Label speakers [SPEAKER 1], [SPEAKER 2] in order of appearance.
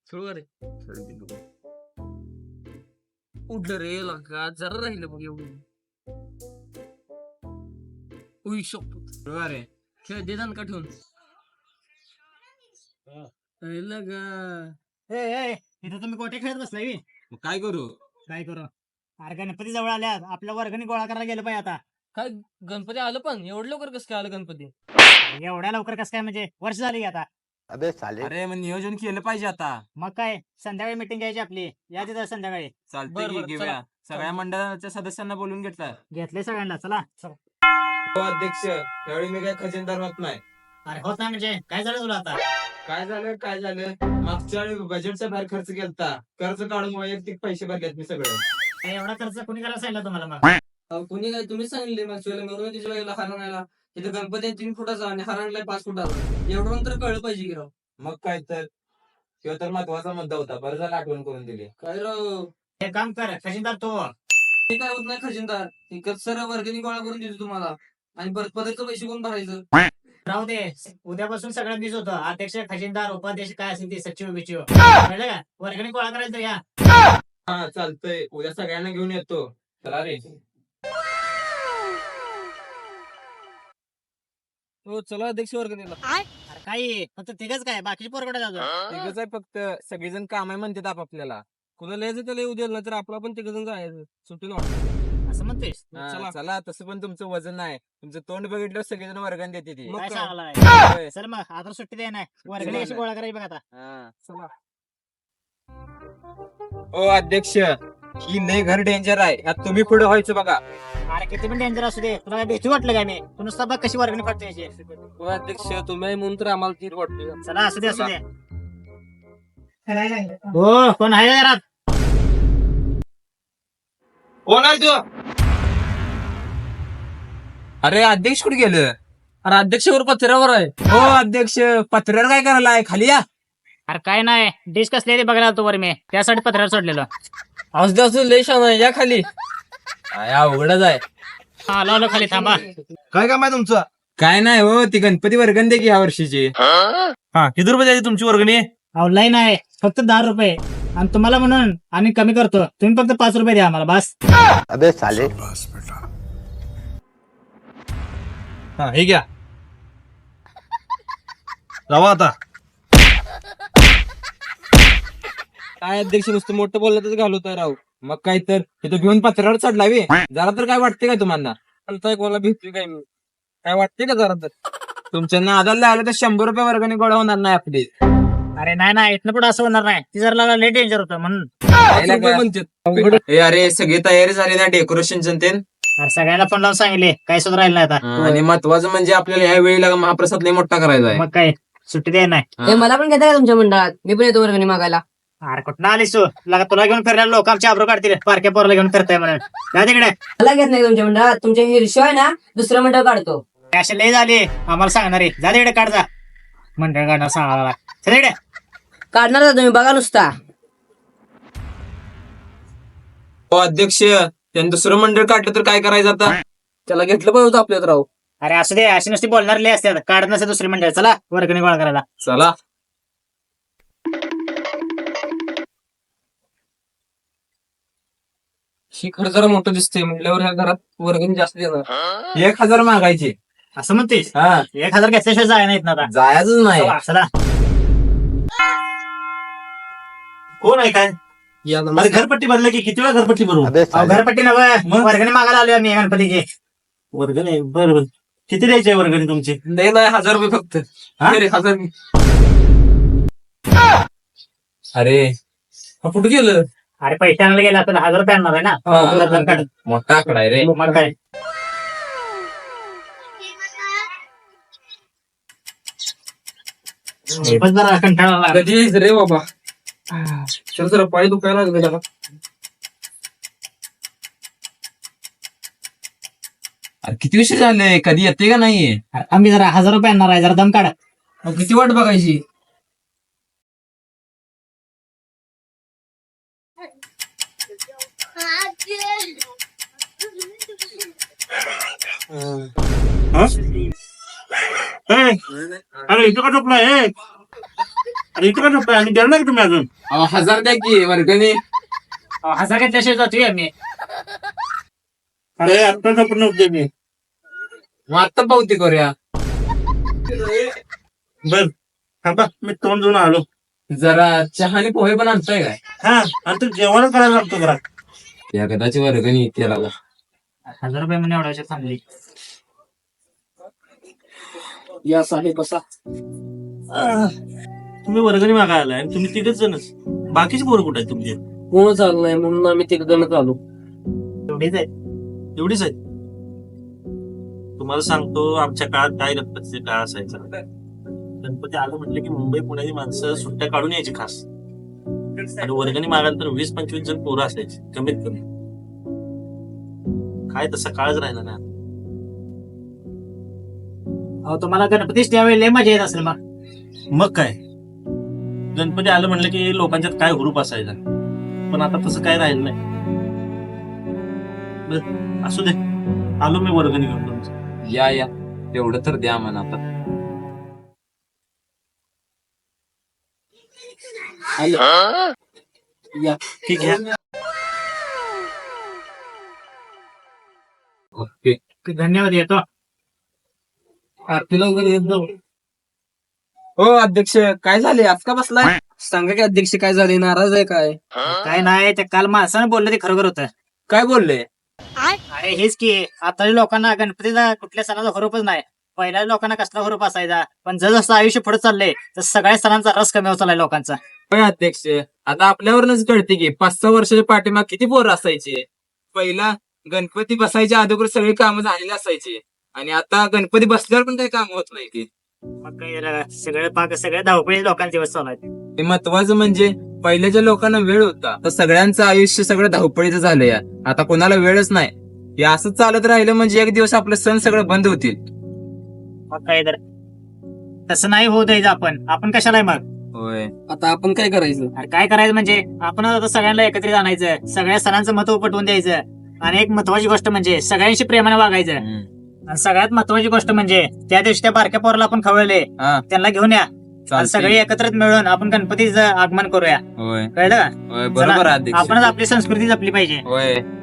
[SPEAKER 1] सुरू रे. उठलं रे लका जरा राहिलं बघ एवढं. उई शपथ
[SPEAKER 2] रे
[SPEAKER 1] खेळ दे का ठेवून लगा.
[SPEAKER 3] इथं तुम्ही गोटे खेळत बसलाय
[SPEAKER 2] मग काय करू?
[SPEAKER 3] काय करू? अरे गणपती जवळ आल्यात, आपल्या वर्गणी गोळा करायला गेलं पाहिजे आता.
[SPEAKER 1] काय गणपती आलं पण एवढं लवकर कसं काय आलं गणपती?
[SPEAKER 3] एवढ्या लवकर कसं काय, म्हणजे वर्ष झाली की आता.
[SPEAKER 2] अरे मग नियोजन केलं पाहिजे आता.
[SPEAKER 3] मग काय संध्याकाळी मिटिंग घ्यायची आपली, या तिथं संध्याकाळी.
[SPEAKER 2] चालतंय
[SPEAKER 1] बरं,
[SPEAKER 2] की
[SPEAKER 1] बरं,
[SPEAKER 2] घेऊया.
[SPEAKER 1] चला.
[SPEAKER 2] सगळ्या मंडळाच्या सदस्यांना बोलून घेतलं.
[SPEAKER 3] घेतले सगळ्यांना, चला.
[SPEAKER 2] अध्यक्ष त्यावेळी मी काय खजिनदार होत नाही.
[SPEAKER 3] अरे होत नाही म्हणजे काय झालं तुला आता?
[SPEAKER 2] काय झालं मागच्या वेळी बजेटचा बाहेर खर्च केलता. कर्ज काढून वैयक्तिक पैसे भरलेत मी सगळे.
[SPEAKER 3] काय एवढा खर्च कोणी करायला सांगितलं तुम्हाला मग?
[SPEAKER 1] कोणी काय तुम्ही सांगितले मागच्या वेळेला मिळून तिच्या वेळेला हार आणायला. तिथं गणपती आहे 3 फुटाचा आणि हार आणलाय 5 फुटाचा. एवढं तर कळलं पाहिजे की राव.
[SPEAKER 2] मग काय तर किंवा तर महत्वाचा मुद्दा होता. बरं झालं आठवण करून दिली.
[SPEAKER 1] काय राव
[SPEAKER 3] हे काम कर, खजिनदार तो.
[SPEAKER 1] ते काय होत नाही खजिनदार. ते सर वर्गणी गोळा करून देतो तुम्हाला आणि परत पदाचे पैसे कोण भरायचं?
[SPEAKER 3] राहू दे, उद्यापासून सगळं बीज होतं. अध्यक्ष, खजिनदार, उपाध्यक्ष काय असेल ते, सचिव बिचिव, कळलं का? वर्गणी गोळा करायचं या.
[SPEAKER 2] हा चालतंय. उद्या सगळ्यांना घेऊन येतो. चला रे.
[SPEAKER 1] हो चला अध्यक्ष वर्गणीला.
[SPEAKER 3] अरे काय फक्त तिघच काय, बाकीचे पोरकडे जातो.
[SPEAKER 2] तिघच आहे फक्त. सगळेजण काम आहे म्हणतात आपापल्याला.
[SPEAKER 1] कुणाला यायचं त्याला येऊ द्यायला, तर आपला पण तिकडून जायचं सुट्टीला वाटत.
[SPEAKER 3] असं म्हणतोयस?
[SPEAKER 1] चला.
[SPEAKER 2] चला तसं पण तुमचं वजन आहे. तुमचं तोंड बघितलं सगळेजण वर्गण देते ती.
[SPEAKER 1] मग
[SPEAKER 3] काय
[SPEAKER 1] काय?
[SPEAKER 3] सांगायला? चल मग आता सुट्टी दे नाही, वर्गणी कशी गोळा करायची बघ आता.
[SPEAKER 1] चला.
[SPEAKER 2] ओ अध्यक्ष ही लय घर डेंजर आहे. यात तुम्ही पुढे व्हायचं बघा.
[SPEAKER 3] अरे किती पण डेंजर असू दे, तुला काय भीती वाटलं काय? मी तू नुसता बघ कशी वर्गणी फाटते याची.
[SPEAKER 1] हो अध्यक्ष तुम्ही आहे म्हणून तर आम्हाला तीर वाटते.
[SPEAKER 3] चला असू दे असू दे. हो कोण आहे घरात?
[SPEAKER 2] कोण आहे तू? अरे अध्यक्ष कुठे गेलं?
[SPEAKER 1] अरे अध्यक्षवर पत्र्यावर आहे.
[SPEAKER 2] हो अध्यक्ष पत्र्यावर काय करायला आहे? खाली या.
[SPEAKER 3] अरे काय नाही, डिश कसली आहे ते बघायला आलतो वर मी, त्यासाठी पत्रावर सोडलेलं.
[SPEAKER 1] असू असं लय छान आहे, या खाली.
[SPEAKER 2] अवघडच आहे.
[SPEAKER 3] आलो आलो खाली, थांबा.
[SPEAKER 4] काय काम आहे तुमचं?
[SPEAKER 2] काय नाही हो, ती गणपती वर्गण दे की ह्या वर्षीची.
[SPEAKER 4] हा किती रुपये द्यायची तुमची वर्गणी?
[SPEAKER 3] ऑनलाईन आहे, फक्त 10 रुपये. आणि तुम्हाला म्हणून आम्ही कमी करतो, तुम्ही फक्त 5 रुपये द्या आम्हाला बस.
[SPEAKER 4] हा हे घ्या, जावा आता.
[SPEAKER 1] काय अध्यक्ष नुसतं मोठं बोललं तर घालवताय राव.
[SPEAKER 2] मग काय तर तिथं घेऊन पत्र्यावर चढलावी. जरा तर काय वाटते काय तुम्हाला?
[SPEAKER 1] चालताय कोणाला भेटतोय काय मी? काय वाटते का जरा तर?
[SPEAKER 2] तुमच्या नादाला आलं तर 100 रुपये वर्गणी गोळा होणार नाही आपली.
[SPEAKER 3] अरे नाही नाही, इथनं पुढे असं होणार नाही. ती जरा लेट डेंजर होतं म्हणून.
[SPEAKER 1] 5 रुपये म्हणतात.
[SPEAKER 2] ए, अरे सगळी तयारी झाली ना डेकोरेशन ते?
[SPEAKER 3] अरे सगळ्याला फोन लावून सांगितले, काय सुद्धा राहिलं नाही आता.
[SPEAKER 2] आणि महत्वाचं म्हणजे आपल्याला ह्या वेळेला महाप्रसाद लय मोठा करायचा आहे.
[SPEAKER 3] मग काय सुट्टी द्याय नाही.
[SPEAKER 2] हा.
[SPEAKER 5] मला पण घेता का तुमच्या मंडळात? मी पण येतो वर्गणी मागायला.
[SPEAKER 3] अरे कुठं आलीस तू? तुला घेऊन फिरायला लोक आमची आब्रू काढतील, पारख्या पोराला घेऊन फिरताय म्हणून. जा तिकडे.
[SPEAKER 5] मला घेत नाही तुमच्या मंडळात. तुमच्या हिरशो आहे ना, दुसरं मंडळ काढतो.
[SPEAKER 3] असे लय झाले आम्हाला सांगणारे. जा तिकडे, काढ जा. मंडळ काढणार सांगायला. चल तिकडे.
[SPEAKER 5] काढणार का तुम्ही? बघा नुसता.
[SPEAKER 2] हो अध्यक्ष त्यांनी दुसरं मंडळ काढलं तर काय करायचं आता?
[SPEAKER 1] त्याला घेतलं पाहिजे होतं आपल्यात राव.
[SPEAKER 3] अरे असू दे, अशी नुसती बोलणार लय असतात. काढत नसे दुसरी मंडळ. चला वर्गणी गोळा करायला.
[SPEAKER 2] चला.
[SPEAKER 1] ही खरं जरा मोठं दिसतंय म्हटल्यावर ह्या घरात वर्गणी जास्त देणार.
[SPEAKER 2] 1000 मागायचे.
[SPEAKER 3] असं म्हणतेस?
[SPEAKER 2] हा
[SPEAKER 3] 1000 घेतल्याशिवाय जाय नाहीत ना आता.
[SPEAKER 2] जायचंच नाही.
[SPEAKER 3] चला.
[SPEAKER 4] कोण आहे काय?
[SPEAKER 1] या
[SPEAKER 4] अरे घरपट्टी भरलं की किती वेळा घरपट्टी भरू?
[SPEAKER 3] अहो, घरपट्टी नव्हे, वर्गणी मागायला आलोय आम्ही गणपतीची.
[SPEAKER 4] वर्गणी बरं बरं. किती द्यायची आहे वर्गणी तुमची?
[SPEAKER 1] नाही 1000 रुपये फक्त.
[SPEAKER 4] हा?
[SPEAKER 1] अरे 1000.
[SPEAKER 2] अरे
[SPEAKER 1] हा कुठं गेलं?
[SPEAKER 3] अरे पैसे आणायला गेला तर 1000 रुपये आणणार आहे ना.
[SPEAKER 1] हा.
[SPEAKER 3] काढ.
[SPEAKER 2] मोठा आकडा आहे रे.
[SPEAKER 3] मग काय. पण जरा कंटाळा आला.
[SPEAKER 1] कधी यायचं रे बाबा? चल जरा पाय दुखायला लागले त्याला.
[SPEAKER 2] अरे किती विषय झाले, कधी येते का नाही?
[SPEAKER 3] आम्ही जरा 1000 रुपये आणणार आहे, जरा दम काढा.
[SPEAKER 1] अहो, किती वाट बघायची?
[SPEAKER 4] अरे इथं का झोपलाय? अरे इथं का झोपताय? आणि देणार का तुम्ही अजून?
[SPEAKER 2] 1000 द्या की वर्गणी.
[SPEAKER 3] हजार घेतल्याशिवाय जातोय आम्ही.
[SPEAKER 4] अरे आता झोपत नव्हते मी.
[SPEAKER 2] मग आता पावती करूया.
[SPEAKER 4] बर थांबा, मी तोंड घेऊन आलो.
[SPEAKER 2] जरा चहा आणि पोहे पण आणताय काय?
[SPEAKER 4] हा आणि तू जेवण करायला लागतो घरात.
[SPEAKER 2] या कदाचित वर्गणी त्याला
[SPEAKER 3] 1000 रुपये म्हणून एवढ्या थांबली.
[SPEAKER 1] या साहेब बसा.
[SPEAKER 4] तुम्ही वर्गणी मागायला आलाय आणि तुम्ही तिघच जणच. बाकीचे पोरं कुठे आहेत तुमचे?
[SPEAKER 1] कोण चालू नाही म्हणून आम्ही तिकडं आलो.
[SPEAKER 3] एवढीच आहे.
[SPEAKER 4] एवढीच आहेत. तुम्हाला सांगतो आमच्या काळात काय गणपतीचे काळ असायचा. गणपती आलं म्हटलं की मुंबई पुण्याची माणसं सुट्ट्या काढून यायची खास. आणि वर्गणी मागायला तर 20-25 जण पोरं असायची कमीत कमी. काय तसा काळच राहिला ना.
[SPEAKER 3] अहो तुम्हाला गणपतीच त्यावेळी लय मजा येत असेल मग.
[SPEAKER 4] मग काय, गणपती आलं म्हणलं की लोकांच्यात काय हुरूप असायचा. पण आता तसं काय राहिलं नाही. बरं, असू दे, आलो मी वर्गणी घेऊन तुमचं.
[SPEAKER 2] या तेवढं तर द्या म्हणा आता.
[SPEAKER 1] या
[SPEAKER 4] ठीक आहे.
[SPEAKER 2] ओके.
[SPEAKER 3] धन्यवाद. येतो.
[SPEAKER 1] आरतीला वगैरे येत जाऊ.
[SPEAKER 2] हो अध्यक्ष, काय झाले आज का बसलाय?
[SPEAKER 1] सांगा की अध्यक्ष काय झाले, नाराज आहे काय?
[SPEAKER 3] काय नाही, ते काल माणसानं बोललं ते खरोखर होतं.
[SPEAKER 2] काय बोलले?
[SPEAKER 3] अरे हेच की आताच्या लोकांना गणपतीला कुठल्या सणाचा हुरूपच नाही. पहिल्या लोकांना कसला हुरूप असायचा, पण जसं आयुष्य पुढे चाललंय तर सगळ्या सणांचा रस कमी होत चाललाय लोकांचा.
[SPEAKER 2] होय अध्यक्ष, आता आपल्यावरूनच कळते की 5-6 वर्षाच्या पाठीमाग किती पोरं असायचे. पहिला गणपती बसायच्या अगोदर सगळी कामं झालेली असायची आणि आता गणपती बसल्यावर पण काही काम होत नाही की.
[SPEAKER 3] मग काय सगळ्या धावपळी लोकांचे दिवस चालू आहेत.
[SPEAKER 2] ते महत्वाचं म्हणजे पहिल्याच्या लोकांना वेळ होता, तर सगळ्यांचं आयुष्य सगळं धावपळीचं झालंय. आता कोणाला वेळच नाही. हे असंच चालत राहिलं म्हणजे एक दिवस आपले सण सगळं बंद होतील.
[SPEAKER 3] मग काय तर तसं नाही होऊ द्यायचं. आपण कशाला आहे मग.
[SPEAKER 2] होय.
[SPEAKER 1] आता आपण काय करायचं?
[SPEAKER 3] अरे काय करायचं म्हणजे आपण आता सगळ्यांना एकत्रित आणायचं, सगळ्या सणांचं महत्व पटवून द्यायचं. आणि एक महत्वाची गोष्ट म्हणजे सगळ्यांशी प्रेमाने वागायचं. आणि सगळ्यात महत्वाची गोष्ट म्हणजे त्या दिवशी त्या बारक्या पोराला आपण खवळले,
[SPEAKER 2] हा,
[SPEAKER 3] त्यांना घेऊन या. आणि
[SPEAKER 2] चालतंय.
[SPEAKER 3] सगळे एकत्रित मिळून आपण गणपतीचं आगमन करूया.
[SPEAKER 2] होय
[SPEAKER 3] कळलं का?
[SPEAKER 2] होय, बरोबर आहे अध्यक्ष.
[SPEAKER 3] आपणच आपली संस्कृती जपली पाहिजे.
[SPEAKER 2] होय.